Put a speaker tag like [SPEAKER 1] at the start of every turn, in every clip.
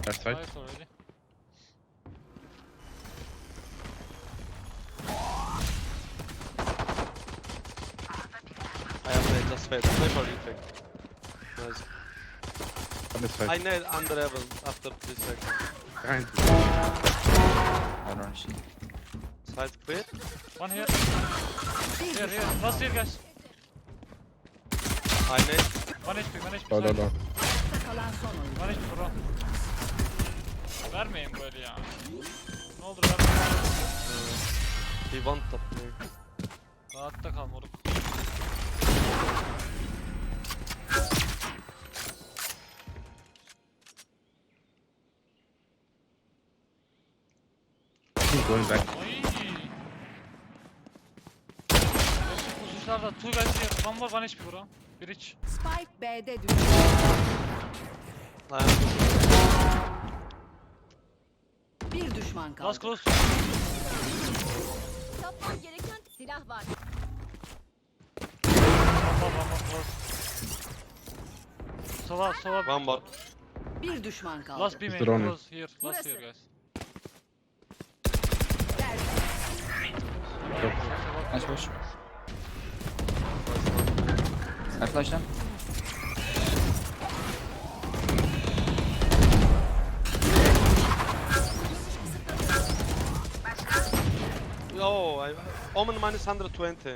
[SPEAKER 1] Left side.
[SPEAKER 2] Nice already.
[SPEAKER 3] I have made just fade. Play for retake. Nice.
[SPEAKER 1] On this side.
[SPEAKER 3] I nailed under heaven after 3 seconds.
[SPEAKER 1] Behind.
[SPEAKER 4] I don't see.
[SPEAKER 3] Side clear.
[SPEAKER 2] One here. Here. Last here guys.
[SPEAKER 3] I nailed.
[SPEAKER 2] 1 HP, 1 HP.
[SPEAKER 1] Low, low, low.
[SPEAKER 5] Kalan son oyun.
[SPEAKER 2] 1 HP bro. Vermeyin böyle ya. Ne olur vermeyin.
[SPEAKER 3] He want top play.
[SPEAKER 2] Rahatta kal moruk.
[SPEAKER 1] He's going back.
[SPEAKER 2] Ay. Uzuşlarda 2 guys here. One more 1 HP bro. Bir iç.
[SPEAKER 5] Spike B'de düştü.
[SPEAKER 3] I am
[SPEAKER 5] Bir düşman kaldı.
[SPEAKER 2] Last close.
[SPEAKER 6] Yapman gereken silah var.
[SPEAKER 2] One close. Sova.
[SPEAKER 3] one more.
[SPEAKER 5] Bir düşman kaldı.
[SPEAKER 2] Last B
[SPEAKER 1] Is
[SPEAKER 2] main.
[SPEAKER 1] drone.
[SPEAKER 2] Close here. Last
[SPEAKER 5] Burası.
[SPEAKER 2] here guys.
[SPEAKER 4] Nice push. I flash them.
[SPEAKER 3] Oh, Omen minus 120.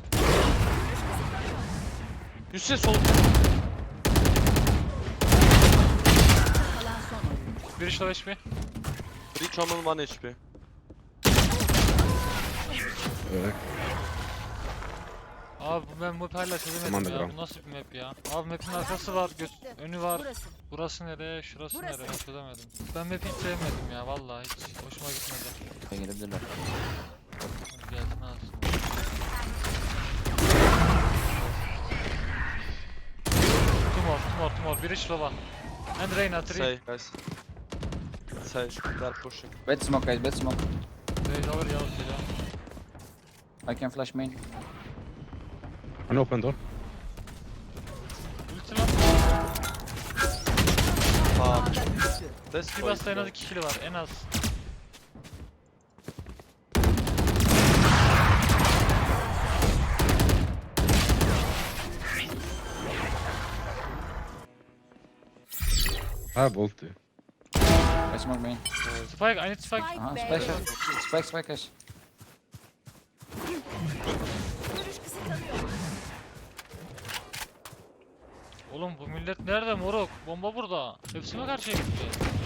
[SPEAKER 3] You see sol.
[SPEAKER 5] Kalan son oyun.
[SPEAKER 2] Bir iç low HP.
[SPEAKER 3] Reach Omen 1 HP.
[SPEAKER 2] Abi ben map hala çözemedim
[SPEAKER 1] Aman da
[SPEAKER 2] ya.
[SPEAKER 1] gram.
[SPEAKER 2] Bu nasıl bir map ya? Abi map'in arkası var, önü var.
[SPEAKER 6] Burası.
[SPEAKER 2] Burası nereye, şurası
[SPEAKER 6] Burası.
[SPEAKER 2] nereye çözemedim. Ben map'i hiç sevmedim ya vallahi hiç hoşuma gitmedi.
[SPEAKER 4] Ben girebilirler.
[SPEAKER 2] Hadi gelsin alsın. Two more. Bir iç lova. And Reyna 3.
[SPEAKER 3] Say, guys. Say, they're pushing.
[SPEAKER 4] Bad smoke guys, bad smoke.
[SPEAKER 2] Raze over yellow ya.
[SPEAKER 4] I can flash main.
[SPEAKER 1] An open door.
[SPEAKER 2] Ulti lan.
[SPEAKER 3] Fuck. This
[SPEAKER 2] Sivas'ta en az 2 kill var en az.
[SPEAKER 1] I have ulti.
[SPEAKER 4] I smoke main.
[SPEAKER 2] Spike, I need spike.
[SPEAKER 4] Aha,
[SPEAKER 5] B'de
[SPEAKER 4] splash
[SPEAKER 5] düştü.
[SPEAKER 4] up. Spike guys.
[SPEAKER 6] Görüş kısıtlanıyor.
[SPEAKER 2] Oğlum bu millet nerede moruk? Bomba burada. Hepsi mi karşıya gitti?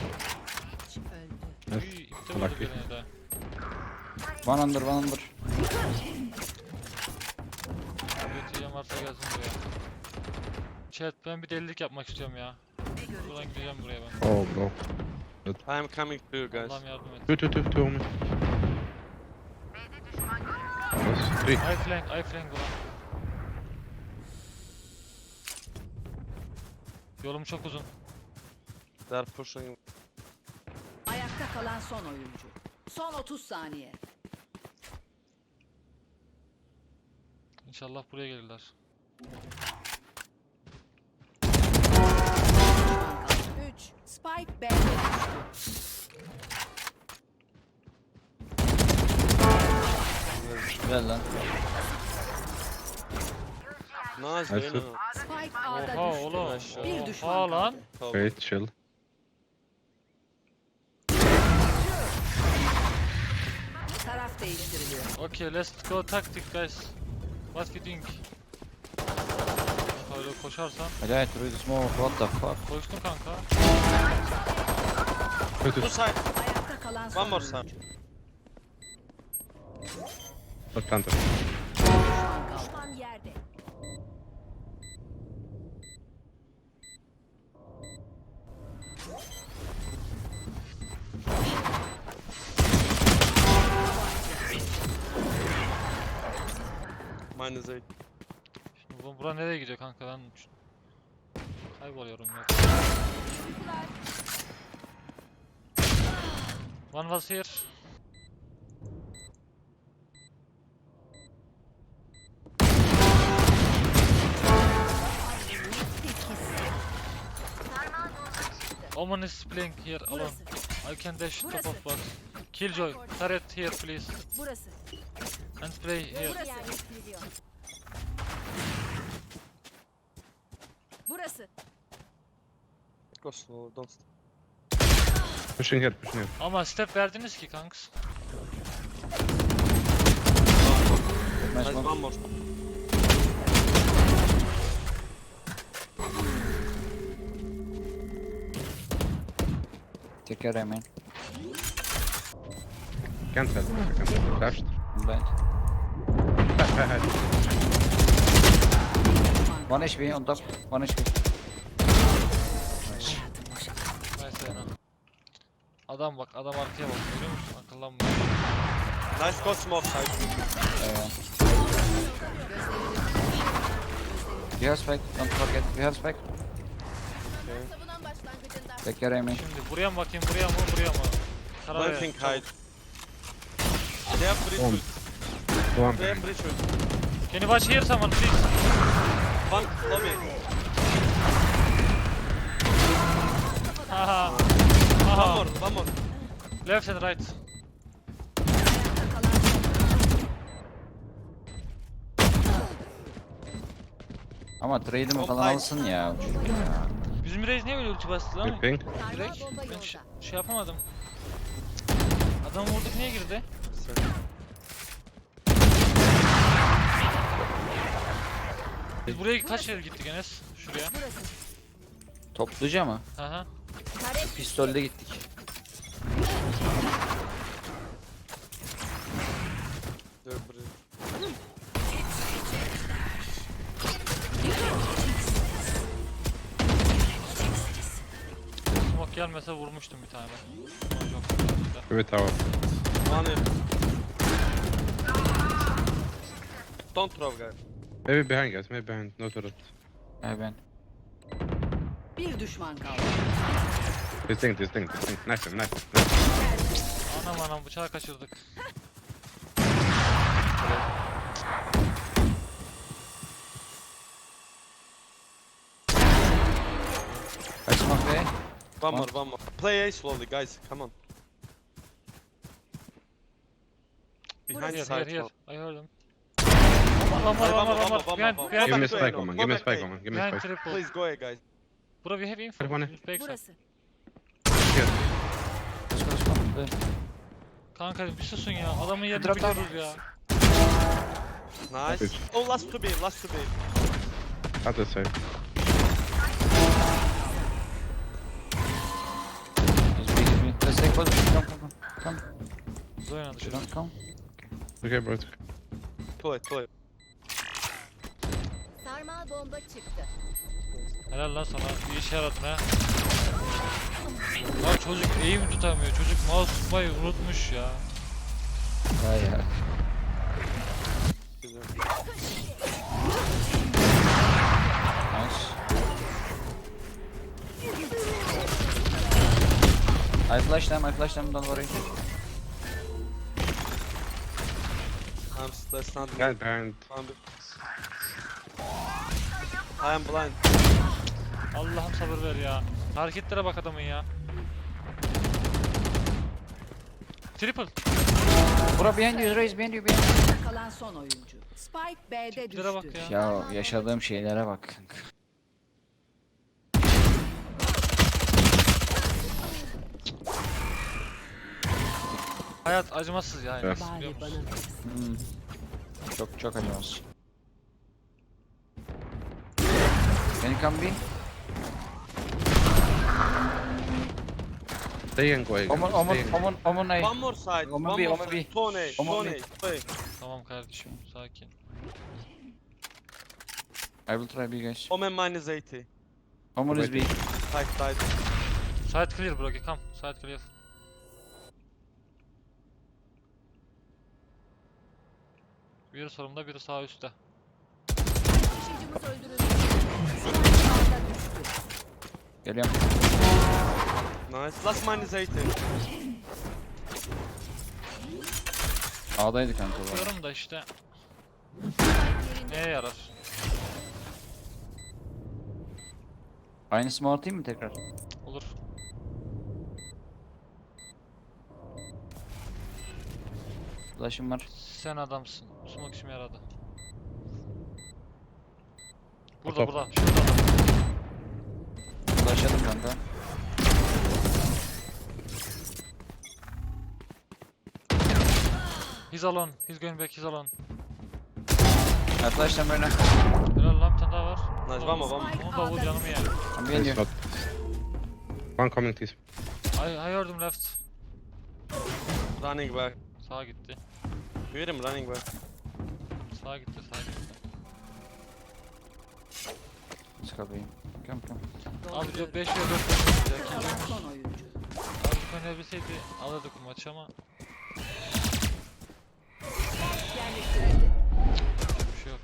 [SPEAKER 5] Öldü.
[SPEAKER 2] Uy, iptal oldu
[SPEAKER 1] Lucky.
[SPEAKER 2] beni de.
[SPEAKER 4] One under, one under.
[SPEAKER 2] Götüreceğim varsa gelsin buraya. Chat ben bir delilik yapmak istiyorum ya. Buradan gideceğim buraya ben.
[SPEAKER 1] Oh, bro.
[SPEAKER 3] I am coming to you guys.
[SPEAKER 2] Allah'ım yardım et.
[SPEAKER 1] Two on me. Yes, 3.
[SPEAKER 2] I flank ulan. Yolum çok uzun.
[SPEAKER 3] They're pushing.
[SPEAKER 5] Ayakta kalan son oyuncu. Son 30 saniye.
[SPEAKER 2] İnşallah buraya gelirler.
[SPEAKER 5] Düşman kaldı. 3. Spike B'de düştü.
[SPEAKER 4] Güzel lan.
[SPEAKER 3] Nice,
[SPEAKER 1] Nice.
[SPEAKER 3] Reyna.
[SPEAKER 5] Spike A'da
[SPEAKER 2] Oha
[SPEAKER 5] düştü.
[SPEAKER 2] oğlum.
[SPEAKER 5] Bir düşman
[SPEAKER 2] Oha lan.
[SPEAKER 5] kaldı.
[SPEAKER 3] Top.
[SPEAKER 1] Wait, chill.
[SPEAKER 5] Taraf değiştiriliyor.
[SPEAKER 2] Okay, let's go tactic guys. What we doing? Öyle koşarsan.
[SPEAKER 4] I died through the smoke, what the fuck?
[SPEAKER 2] Koştun kanka.
[SPEAKER 3] Two side.
[SPEAKER 5] Ayakta kalan son
[SPEAKER 3] One more
[SPEAKER 5] oyuncu.
[SPEAKER 3] side.
[SPEAKER 1] Not planted.
[SPEAKER 5] Düşman kaldı.
[SPEAKER 6] Düşman yerde.
[SPEAKER 3] Minus 8.
[SPEAKER 2] Şimdi bura nereye gidiyor kanka ben kayboluyorum ya. One was here. Omen is playing here alone.
[SPEAKER 6] Burası.
[SPEAKER 2] I can dash top
[SPEAKER 6] Burası.
[SPEAKER 2] of box. Killjoy, turret here please.
[SPEAKER 6] Burası.
[SPEAKER 2] And play here.
[SPEAKER 6] Burası yerleştiriliyor. Burası.
[SPEAKER 3] Go slow, don't stop.
[SPEAKER 1] Pushing here, pushing here.
[SPEAKER 2] Ama step verdiniz ki kanks.
[SPEAKER 4] Nice
[SPEAKER 3] Nice,
[SPEAKER 4] smoke.
[SPEAKER 3] one more.
[SPEAKER 4] Take care, man.
[SPEAKER 1] Can't help. I can't help. Flashed.
[SPEAKER 4] I'm blind.
[SPEAKER 1] Head.
[SPEAKER 4] One HP on top. One HP. Nice.
[SPEAKER 2] Neyse yana. Adam bak, adam arkaya bak, görüyor musun? Akıllanma.
[SPEAKER 3] Nice, go smoke side.
[SPEAKER 4] You have spike. Don't forget. You have spike.
[SPEAKER 6] Savunan başlangıcında.
[SPEAKER 4] Take care, man.
[SPEAKER 2] Şimdi buraya mı bakayım, buraya mı, buraya mı? Karar ver.
[SPEAKER 3] Planting hide. They have bridge
[SPEAKER 1] One.
[SPEAKER 3] ult.
[SPEAKER 1] Go on.
[SPEAKER 3] They have bridge ult.
[SPEAKER 2] Can you watch here someone please?
[SPEAKER 3] One lobby.
[SPEAKER 2] Haha.
[SPEAKER 3] One
[SPEAKER 2] Haha.
[SPEAKER 3] more, one more.
[SPEAKER 2] Left and right.
[SPEAKER 4] Ama trade'imi
[SPEAKER 3] Top
[SPEAKER 4] falan
[SPEAKER 3] high.
[SPEAKER 4] alsın ya.
[SPEAKER 2] Bizim Reis niye böyle ulti bastı lan?
[SPEAKER 1] Good ping.
[SPEAKER 2] Direkt
[SPEAKER 6] Sarmal bomba
[SPEAKER 2] ben
[SPEAKER 6] yolda.
[SPEAKER 2] şey yapamadım. Adam vurduk niye girdi? Biz buraya kaç kere gittik Enes? Şuraya.
[SPEAKER 6] Burası.
[SPEAKER 4] Topluca mı?
[SPEAKER 2] Aha.
[SPEAKER 6] Taret.
[SPEAKER 4] Pistolde gittik.
[SPEAKER 3] They're bridge.
[SPEAKER 2] Smoke gelmese vurmuştum bir tane. Ama yok, güzel.
[SPEAKER 1] Give it tower.
[SPEAKER 3] One hit. Don't throw, guys.
[SPEAKER 1] Maybe behind guys, maybe behind. No turret.
[SPEAKER 4] Ben.
[SPEAKER 5] Bir düşman kaldı.
[SPEAKER 1] Distinct. Nice, nice.
[SPEAKER 2] Anam bıçağı kaçırdık.
[SPEAKER 4] I smoke A.
[SPEAKER 3] One more, one more. Play A slowly, guys. Come on. Behind
[SPEAKER 2] Here,
[SPEAKER 3] side.
[SPEAKER 2] here.
[SPEAKER 3] wall.
[SPEAKER 2] I heard him. One more. Behind,
[SPEAKER 3] Go
[SPEAKER 1] Give me
[SPEAKER 3] back to
[SPEAKER 1] spike,
[SPEAKER 3] A,
[SPEAKER 1] Omen.
[SPEAKER 3] go
[SPEAKER 1] Give me
[SPEAKER 3] back to
[SPEAKER 1] spike,
[SPEAKER 3] A.
[SPEAKER 1] Omen. Give me
[SPEAKER 2] behind
[SPEAKER 1] spike.
[SPEAKER 2] triple.
[SPEAKER 3] Please go A, guys.
[SPEAKER 2] Bro, we have info.
[SPEAKER 1] Everyone.
[SPEAKER 2] Backside.
[SPEAKER 6] Burası.
[SPEAKER 1] Here.
[SPEAKER 4] Let's go smoke.
[SPEAKER 2] Kanka bir susun ya. Adamın yerini
[SPEAKER 4] Drop down.
[SPEAKER 2] biliyoruz ya.
[SPEAKER 3] Nice.
[SPEAKER 1] Good.
[SPEAKER 3] Oh, last to B, last to B.
[SPEAKER 1] Other side.
[SPEAKER 4] He's big. Let's take position. Come.
[SPEAKER 2] Zoyna dışarı.
[SPEAKER 4] Don't come.
[SPEAKER 1] Okay, bro. it's okay.
[SPEAKER 3] Pull it.
[SPEAKER 6] Sarmal bomba çıktı.
[SPEAKER 2] Helal lan sana. Bir işe yaradın ha. Ya çocuk eğim tutamıyor. Çocuk mouse tutmayı unutmuş ya.
[SPEAKER 4] Hayır. Nice. I flash them, don't worry.
[SPEAKER 3] That's not me.
[SPEAKER 1] Behind.
[SPEAKER 3] I am blind.
[SPEAKER 2] Allah'ım sabır ver ya. Hareketlere bak adamın ya. Triple.
[SPEAKER 4] Bro behind you, Raze behind you.
[SPEAKER 5] Ayakta kalan son oyuncu. Spike B'de
[SPEAKER 2] Tiplere bak
[SPEAKER 5] düştü.
[SPEAKER 2] ya.
[SPEAKER 4] Ya yaşadığım şeylere bak.
[SPEAKER 2] Hayat acımasız ya.
[SPEAKER 1] Evet.
[SPEAKER 2] Enes, biliyor
[SPEAKER 5] Bari
[SPEAKER 2] musun?
[SPEAKER 5] bana.
[SPEAKER 4] Çok acımasız. Can you come B?
[SPEAKER 1] Stay and go again. Stay and go.
[SPEAKER 4] Omen A.
[SPEAKER 3] One more side.
[SPEAKER 4] Omen
[SPEAKER 3] One
[SPEAKER 4] B,
[SPEAKER 3] more
[SPEAKER 4] Omen
[SPEAKER 3] side.
[SPEAKER 4] B.
[SPEAKER 3] Tone A,
[SPEAKER 4] Omen
[SPEAKER 3] Tone
[SPEAKER 4] B.
[SPEAKER 3] A, Tone A.
[SPEAKER 2] Tamam kardeşim sakin.
[SPEAKER 4] I will try B guys.
[SPEAKER 3] Omen minus 80.
[SPEAKER 4] Omen is B.
[SPEAKER 3] Side.
[SPEAKER 2] Side clear bro, come. Side clear. Biri solumda, biri sağ üstte.
[SPEAKER 6] Taşıyıcımız öldürüldü.
[SPEAKER 5] Sağda düştü.
[SPEAKER 4] Geliyorum.
[SPEAKER 3] Nice. Last minus 80.
[SPEAKER 4] A'daydı kanka bu.
[SPEAKER 2] Diyorum da işte
[SPEAKER 6] Yerinde.
[SPEAKER 2] neye yarar?
[SPEAKER 4] Aynı smoke atayım mı tekrar?
[SPEAKER 2] Olur.
[SPEAKER 4] Flash'ım var.
[SPEAKER 2] Sen adamsın. Smoke işime yaradı. Burada
[SPEAKER 1] Top.
[SPEAKER 2] burada. Şurada adam.
[SPEAKER 4] Flash'ladım kanka.
[SPEAKER 2] He's alone. He's going back. He's alone.
[SPEAKER 4] Ha flash'tan böyle.
[SPEAKER 2] Helal lan bir tane daha var.
[SPEAKER 3] Nice, vamo, vamo.
[SPEAKER 2] Onu da vur canımı ye.
[SPEAKER 4] Tam
[SPEAKER 1] Nice
[SPEAKER 4] geliyor.
[SPEAKER 1] shot. One coming, please.
[SPEAKER 2] I heard him left.
[SPEAKER 3] Running back.
[SPEAKER 2] Sağa gitti.
[SPEAKER 3] You hear him running back.
[SPEAKER 2] Sağa gitti. Sağa gitti.
[SPEAKER 4] Çıkabeyim. Come.
[SPEAKER 2] Abi 5 ve 4
[SPEAKER 5] Ayakta
[SPEAKER 2] oynayacak.
[SPEAKER 5] kalan son oyuncu.
[SPEAKER 2] Abi oynayabilseydi alırdık bu maçı ama
[SPEAKER 5] Yerleştirildi.
[SPEAKER 2] bir şey yok.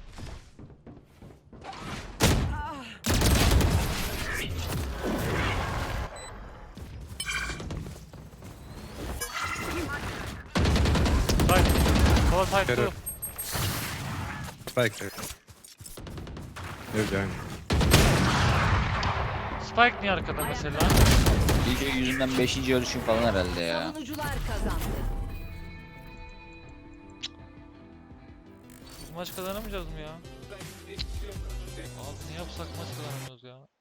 [SPEAKER 2] Side. Cover side
[SPEAKER 1] Get
[SPEAKER 2] too.
[SPEAKER 1] it. Spike there. They're behind.
[SPEAKER 2] Spike niye arkada mesela?
[SPEAKER 4] DJ yüzünden 5. ölüşüm falan herhalde ya.
[SPEAKER 5] Savunucular kazandı.
[SPEAKER 2] Bu maç kazanamayacağız mı ya? Abi ne yapsak maç kazanamıyoruz ya.